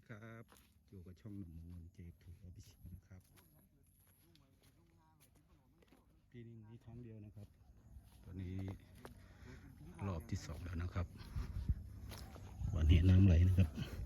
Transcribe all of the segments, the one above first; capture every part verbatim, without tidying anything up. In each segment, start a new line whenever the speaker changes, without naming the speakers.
ดีครับอยู่กับช่องหนุ่มเงินเจถูกอภิชิตนะครับปีนี้มีครั้งเดียวนะครับตอนนี้รอบที่สองแล้วนะครับวันนี้น้ำไหลนะครับ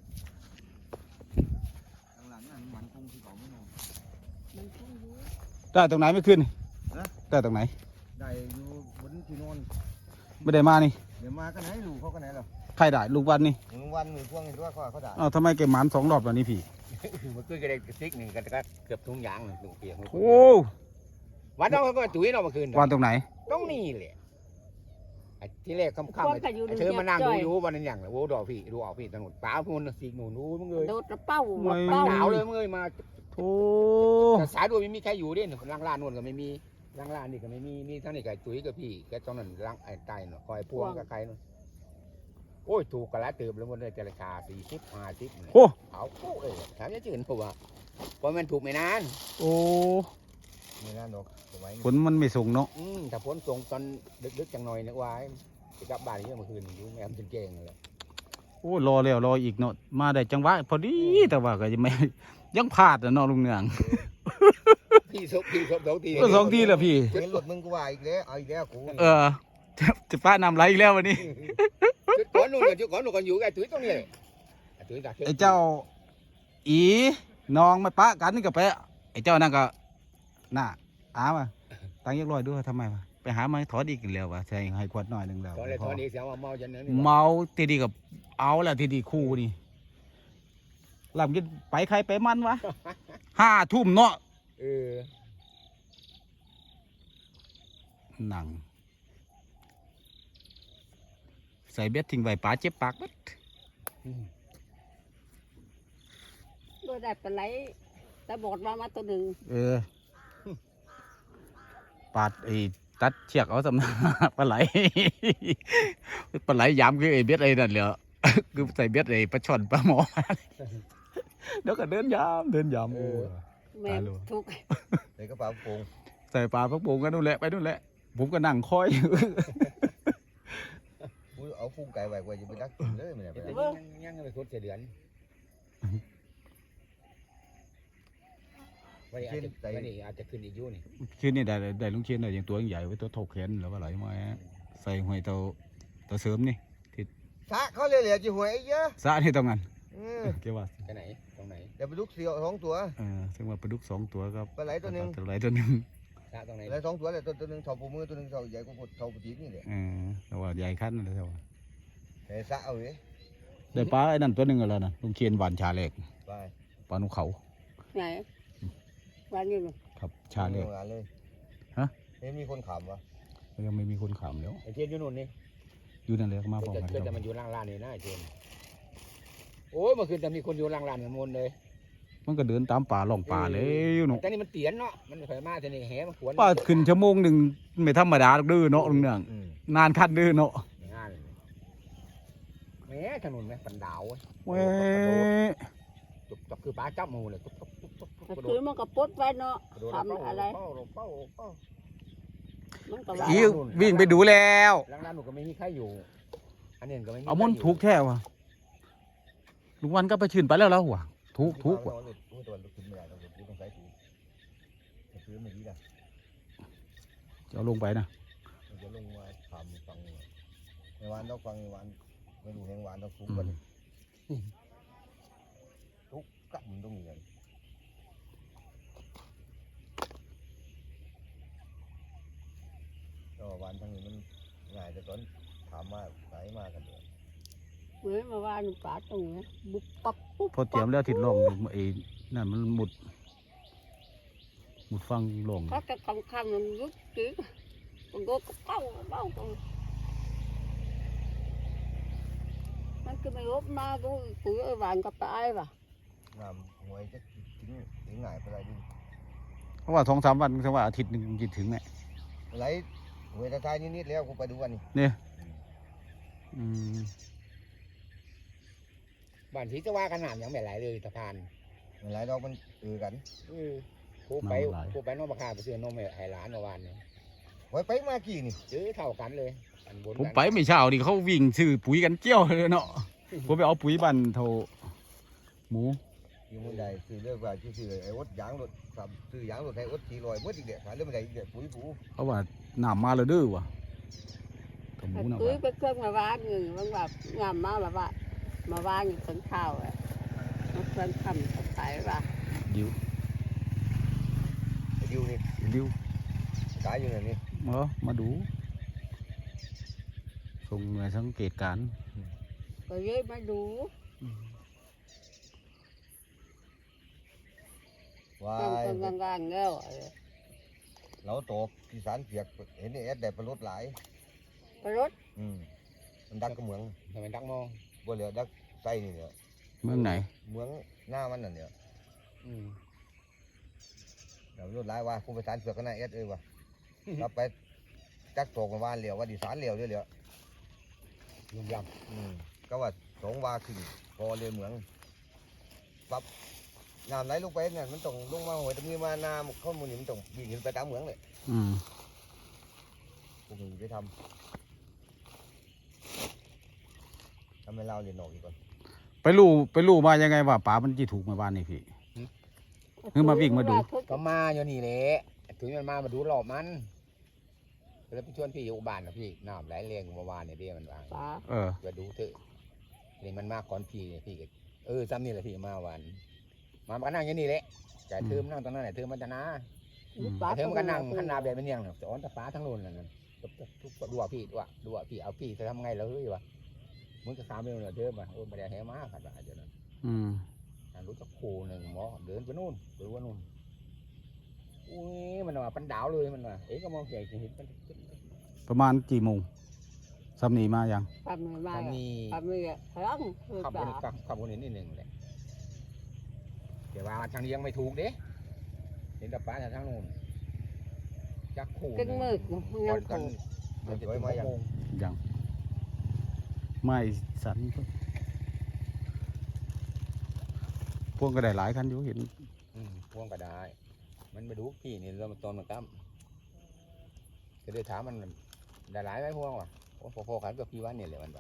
หลังนั้นมันคงที่เขาไม่นอน
ได้ตรงไหนไม่ขึ้นได้ตรงไหน
ได้อยู่บนที่นอน
ไม่ได้มานี่
เดี๋ยวมาก็ไหนลูกเขาก็ไหนหรอ
ใครได้ลูกวันนี่
ลูกวันมือพวงเห็นว่าเขาเขาได้
อ้าวทำไมแกหมานสองรอบแล้วนี่พี่
มันคือก็ได้ซิกหนึ่งกันก็เกือบทุ่งยางหนึ่งเปียก
โอ้
วันน้องเขาก็ตุ้ยเราเมื่อคืน
วันตรงไหน
ต้องนี่แหละที่แรกค่ำๆเธอมานั่งดูอยู่วันนั้นอย่างโอ้ดอกพี่ดูออกพี่ถนนป้าพูนสีหนูนู้มึงเลย
โดดเป้า
หนาวเลยมึงเลยมา
โอ้
แต่สายด้วยไม่มีใครอยู่ด้วยล่างล่านนวลก็ไม่มีล่างล่านนี่ก็ไม่มีนี่ทั้งนี้กับตุ้ยกับพี่แกตอนนั้นล่างไอ้ใต้เนาะคอยพวงกับใครเนาะโอ้ยถูกกระละเติมแล้วมันเลยจะราคาสี่สิบห้าสิบ
โอ้
เอาโอ้เออถามจะจืดผมว่าเพราะมันถูกไม่นาน
โอ้
ไม่นานหรอก
ฝนมันไม่ส่งเนาะ
อืมแต่ฝนส่งตอนดึกๆจังหน่อยนึกว่าจะกลับบ้านเยอะเมื่อคืนอยู่แม่มันจนเก่งเลย
โอ้รอแล้วรออีกเนาะมาได้จังหวะพอดีแต่ว่าก็ยังไม่ยังพลาดนะเนาะลุงเนือง
พี่สองพี่สองสองที
ก็สองทีแล้วพี่
เห็นรถมึงกูว่าอีกแล้วเอาอีกแล้วกู
เออจะจะป้านำไรอีกแล้ววันนี้
จุดก่อนนู่นจุดก่อนนู่นก่อนอยู่ไอ้ตุ้ยตรงนี้ไอ้ตุ้ยตา
ไอ้เจ้าอีน้องมาปะกันนี่ก็ไปไอ้เจ้านั่นก็น่าอามาตั้งยักลอยด้วยทำไมวะไปหาไม้ถอดอีกแล้ววะใช่ให้ขวดหน่อยหนึ่งแล้ว
ถอดเลยถอดอีกเสียว่าเมาจนนั้น
เมาทีดีกับเอาแหละทีดีคู่นี่หลังจะไปใครไปมันวะห้าทุ่มเนาะ
เออ
หนังใส่เบ็ดทิ้งไว้ปลาเจ็บปากบัด
โดยได้ปลาไหลแต่บอดมามาตัวหนึ่ง
เออปาดไอ้ตัดเชือกเอาสำนักปลาไหลปลาไหลยำคือไอ้เบ็ดไอ้นั่นเหรอคือใส่เบ็ดไอ้ปลาช่อนปลาหมอเดี๋ยวก็เดินยำเดินยำโอ้
แม่ทุก
ใส่กระเป๋าโป่ง
ใส่ปลาพักโป่งกันนู่นแหละไปนู่นแหละผมก็นั่งคอย
เอาฟุ้งไก่ไว้ไว้จะไปดักกินเลยมันเนี่ย
ยังยังไปคุดเสียเดือนวันนี้อาจจะวันนี้อาจจะขึ้นอีกยุ่นี่
ขึ้นนี่ได้ได้ลุงเชียนได้อย่างตัวใหญ่ไว้ตัวถกแขนแล้วก็ไหลมาใส่หอยเตาเตาเสริมนี่ที่
สะเขาเรียกเหลี่ยมจีหวยเยอะ
สะนี่ตรงนั้นเกี่ยวว่า
ไปไหนตรงไหน
เดี๋ยวไปดุกเสียวสองตัว
เออซึ่งว่าปลาดุกสองตัวครับ
ปลาไหลตัวหนึ่ง
ปลาไหลตัวหนึ่ง
สะตรงไหน
ไหลสองตัวเลยตัวตัวหนึ่งเท่าปูมือตัวหนึ่งเท่าใหญ่กว่าเท่าปูจีบนี่แหละ
เออแต่ว่าใหญ่ขั้นเลยแต่ว่า
เฮ้ยสะเอาเลย
ได้ปลาไอ้นั่นตัวหนึ่งอะไรนะลุงเชียนหวานชาเล็ก
ปลา
ปลาหนุเขา
ไหนวันนี้
ครับชาเล็ก
เลย
ฮะ
ไม่มีคนขำวะ
ยังไม่มีคนขำแล้ว
ไอ้เทียนอยู่นู่นนี่
อยู่นั่นเลยมาพร้อมกัน
แต่มันอยู่ล่างลานนี่นะไอ้เทียนโอ้ยเมื่อคืนจะมีคนอยู่ล่างลานกันมนเลย
มันก็เดินตามป่าล่องป่าเลยอยู่เนาะ
แต่นี่มันเตียนเนาะมันเคยมาแต่นี่แหมันขวน
ป่าขึ้นชั่วโมงหนึ่งไม่ธรรมดาดื้อเนาะลุงเนืองนานคัดดื้อเนาะ
แม่ถนนแม่ปันดาว
เว้ย
จุกจับคือปลาจับมูเลยจุกจุกจุกจุก
คือมันก็ปดไว้เนาะทำอะไร
อีวิ่งไปดูแล้ว
ล่างลานหนูก็ไม่มีใครอยู่อันนี้ก็ไม่มี
เอามันถูกแท้ว่ะลุงวันก็ไปชื่นไปแล้วแล้วว่ะถูกถูกว่ะจะลงไปนะ
จะลงมาทำฟังในวันต้องฟังในวันไม่ดูในวันต้องฟุ้งกันทุกกับมันต้องเงินก็วันทั้งนี้มันง่ายแต่ตอนถามมาสายมากันเลย
เมื่อมาว่าหนูปลาตรงนี้บุบปับปุ๊บ
พอเตรียมแล้วทิดลงไอ้นั่นมันหมุดหมุดฟังลง
เขาจะคำคำมันยุบจีมันก็เป้าเป้าตรงมันก็ไม่ลบมาดูปุ๋ยไอ้หวานกับปลาไอ้ป่ะ
น้ำหวยจะทิ้งถึงง่ายไปเลยดิ
เพราะว่าสองสามวันเพราะว่าอาทิตย์หนึ่งจะถึงเนี่ย
ไหลหวยตะไคร้นิดๆแล้วกูไปดูวันนี้
เนี่ยอืม
บ้านที่จะว่ากันหนามยังไม่ไหลเลยสะพาน
ไหลเรามันเออกัน
ผู้ไปผู้ไปน้องบักาไปซื้อนมไอ้หลานเมื่อวานเนี่ย
ไว้ไปมากี่นี่
ซื้อเท่ากันเลย
ผมไปไม่เช้าดิเขาวิ่งซื้อปุ๋ยกันเจี้ยวเลยเนาะผมไปเอาปุ๋ยบันเท่าหมู
อยู่มันใหญ่ซื้อเรื่องว่าที่ซื้อไอ้อดยางรถครับซื้อยางรถไอ้อดขี่ลอยเมื่ออีกเดียวขายเรื่องมันใหญ่อีกเดียวปุ๋ยผู
เขาว่าน้ำมาแล้วเด้อว่ะกับหมูน่ะ
ตุ้ย
ว่ะ
ไปเครื่องมาวางอยู่มันแบบงามมากแบบว่ามาวางอยู่ต้นข้าวอ่ะมันเครื่องทำขายว่ะ
ดิว
ไอ้ดิวนี่
ดิว
ขายอยู่ไหนนี่
เออมาดูส่งหน่วยสังเกตการณ์
ก็เยอะมาดู
วา
ตั้ง
ย
กลางกลางๆแล้ว
เราตกที่สารเปียกเห็นไอ้แอดได้ประรถหลาย
ไปรถ
อืมมันดักก็เหมือง
ทำไมดักมอง
บ่เหลือดักไส้นี่เนี่ย
เมืองไหน
เหมืองหน้ามันนั่นเนี่ย
อืม
เดี๋ยวรถหลายว่าผู้ประสานเสือกก็น่าแอดเอ้ยว่ะเราไปจักตกมาบ้านเหลียวว่าดิสารเหลียวเรื่อย
ยุ่งย
ๆอืมก็ว่าสองวาขึ้นพอเรือเหมืองปั๊บน้ำไหลลงไปเนี่ยมันต้องลงมาหัวตรงนี้มาน้ำข้อมูลนี่มันต้องวิ่งขึ้นไปตามเหมืองเลย
อืม
พวกนี้ไปทำทำให้เราเรียนออกอีกก่อน
ไปรู้ไปรู้มายังไงว่าป๋ามันจีถูกมาบ้านนี่พี่ คือมาวิ่งมาดู
ำก็มาอยู่นี่แหละถึงมันมามาดูรอบมันแล้วไปชวนพี่อยู่บ้านนะพี่น้ำไหลแรงเมื่อวานเนี่ยเดียมันวาง
ป๋า
เออ
ไปดูเถอะนี่มันมาก่อนพี่เนี่ยพี่ก็เออซ้ำนี่แหละพี่มาวันมามันก็นั่งอยู่นี่แหละแต่เธอมนั่งตรงนั้นแหละเธอมันจะนะ
ป๋า
เธอมันก็นั่งหันหน้าแบบเป็นยังจะอ้อนตะป้าทั้งโลนนั่นน่ะทุกดูว่าพี่ดูว่าดูว่าพี่เอาพี่จะทำไงแล้วเฮ้ยวะมึงก็ขามเร็วเนี่ยเดินมาโอ้ไม่ได้แหมาขัดว่าเดี๋ยวนั้น
อืม
รู้จักโคหนึ่งหมอเดินไปนู่นไปว่านู่นอุ้ยมันว่าปันดาวเลยมันว่าเอ๊ะก็มองใหญ่เห็นมัน
ประมาณกี่โมงซ้ำนีมายัง
ทำไม่มา
ทำนี่
ทำไม่ครั้งคือ
ขับค
ป๋าน
ขับขับคนเห็นนิดหนึ่งเลยแต่ว่าทางนี้ยังไม่ถูกเด้เห็นตะป้าจากทางนู้นจักโค
กึ่งมืด
ก่
ยั
อง นกัน
ถูก
มันจะถึงหกโมง
ยังไม่สันพวกก็ได้หลายคันอยู่เห็น
อืมพวงก็ได้ มันไปดูพี่นี่เรามาตอนมาตั้มจะได้ถามมันได้หลายไหมพวงวะโอ้พอๆกันกับพี่วันเนี่ยเลยมันว่า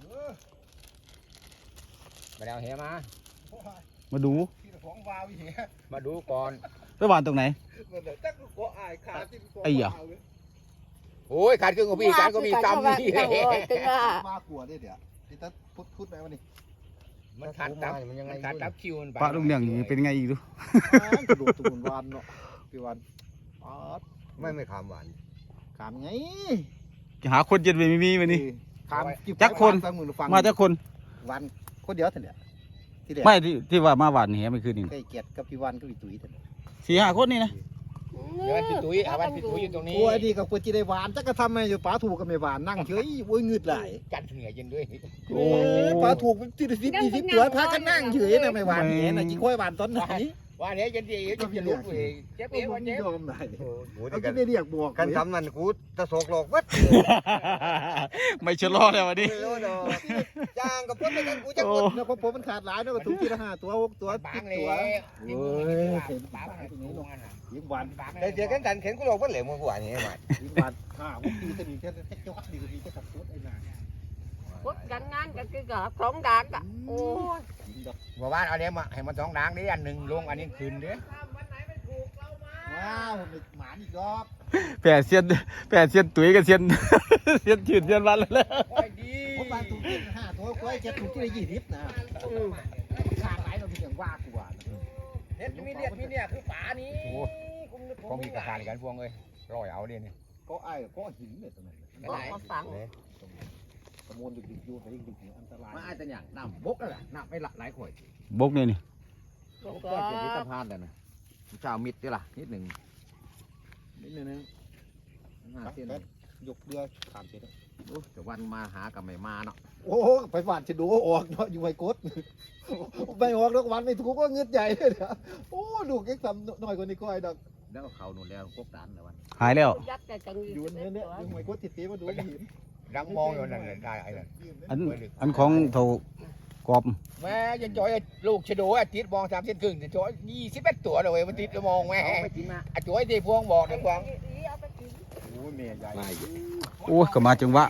มาแล้วเฮียมา
มาดู
ของวาวิเหีย
มาดูก่อน
ไปหวานตรงไหน
มันเดี๋ยวจักก็อายขาที่
ไอ้เหรอ
โอ้ยขาดครึ่งของพี่ขาดก็มีกรรมนี่
โอ้ยตึงอ่ะ
มากกว่าเนี่ยเดี๋ยวที่ตัดพุดพุดไปวันนี้
มันขาดตับ
มันยังไง
มันขาดตับคิวมันไป
ปลาลุงเลี้ยงนี่เป็นไงอีกดู
กระโดดตุ่นวานเนาะพี่วันอ๋อ
ไม่ไม่ขามหวาน
ขามไง
หาคนเย็นไปไม่มีวันนี้
ขาม
จักคน
ฟังมือฟัง
มาจากคน
วันคนเดียวเท่านี้ที่เดียว
ไม่ที่ที่ว่ามาหวานนี่ไม่คืนนี่
ใกล้เกียรติกับพี่วันกับพี่ตุ๋ยเท่านี้
สี่ห้าคนนี่นะ
เดี๋ยวพี่ตุ้ยเอาวันพี่ตุ้ยอยู่ตรงนี้
โอ้ยดีกับคนจีได้หวานจักก็ทำไมอยู่ป๋าถูกกับไม่หวานนั่งเฉยโอ้ยงืดไหล
กันเหงื่อเย็นด้วย
โอ้ยป๋าถูกที่สิบยี่สิบตัวพากันนั่งเฉยนะไม่หวานเนี่ยนะกี่ค่อยหวานตอนไหน
ว่าเนี้ยเย็นดีจะจะลุกเลยเจ็บ
ก็
เอว
มัน
เจ็บ
ยอมไหน
โอ้โห
เอา
กั
จะ
น
ได้เรียกบวก
กันทำนั่นกูตะโศกหลอกวัด
ไม่ชะลอเลยวันนี้
ไม่รู้เนาะย่างกับพวกไปกันกูจะ
โอ้
กด
เนี่ยผมมันขาดหลายเนาะก็ถูกทีละห้าตัวหกตัว
บา
สิ
ง
บ
เลย
ตัว
โอ้ยเห็นปากตรงนี้ลงอ่ะ
ยิงหวาน
แต่เดี๋ยวกันดันเข็นกูหลอกวัดเหลวมึงกูอ่านอย่างนี้มา
ยิงหวานห้าหกปีจะมีแค่แค่จังหวัดดีก็มีแค่ขับรถไอ้นาย
พุดกันงานกันคือกับสองด่านอ่ะโอ้ย
ยิงดอก
บอกว่าเอาเนี้ยมาให้มันสองด่างดิอันหนึ่งลงอันนี้คืนดิ
ว้าวมันหมาอีกรอบ
แปดเซียนแปดเซียนตุ๋ยกับเซียน เซียนจืดเซียนวันแล้ว
ดี
ผมบางถูกที่ห้าตัวก้อยจะถูกที่ละยี่สิบนะขาดหลายเราเป็นอย่างว่ากูว่า
เห็ดมีเลียดมีเนี่ยคือฝานี้คงมีกระทานกันพวงเลยร้อยเอาเดียนี่
ก็ไอ้ก็หินเนี่ยตรงนั้น
บอกมาฟัง
ตะมวนดึกๆอยู่ไปดึกๆอันตราย
มาอาจจะอย่างน้ำบกนั่นแหละน้ำไม่ละหลายข่อย
บกนี่นี่
บอก
ก็
ว่า
จะมีตะพานแต่นะเจ้ามิดดิล่ะนิดหนึ่ง
นิดนึง
ห้าเส้น
ยกเรือขามเสร็จ
แต่วันมาหากับไม่มาเนาะ
โอ้ไปหวานจะดูออกเนาะอยู่ไว้กดไม่ออกแล้ววันไม่ถูกก็เงือดใหญ่เลยเนาะโอ้ดูเก็กทำหน่อยกว่านี้ก้อยดอก
แล้วเขาหนุนแล้วกบดันแต่วัน
หายแล้ว
ยัดแต่จัง
อยู่เนี่ยเนี่ยอยู่ไว้กดติดตีมาดูหิน
ดังมองอยู่นั่นเลยได้ไอ้นั่น
อันอันของเท่ากรอบ
แม่ยันจอยลูกชะโดอ่ะติดมองสามเส้นครึ่งจะจอยยี่สิบเอ็ดตัวเลยมันติดแล้วมองแม่อ่ะจอยที่พวงบอกนะพวง
โอ้ยเมียใหญ่
โอ้ก็มาจังหวะ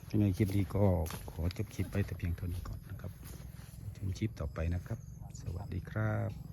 ยังไงคลิปนี้ก็ขอจบคลิปไปแต่เพียงเท่านี้ก่อนนะครับชมคลิปต่อไปนะครับ สวัสดีครับ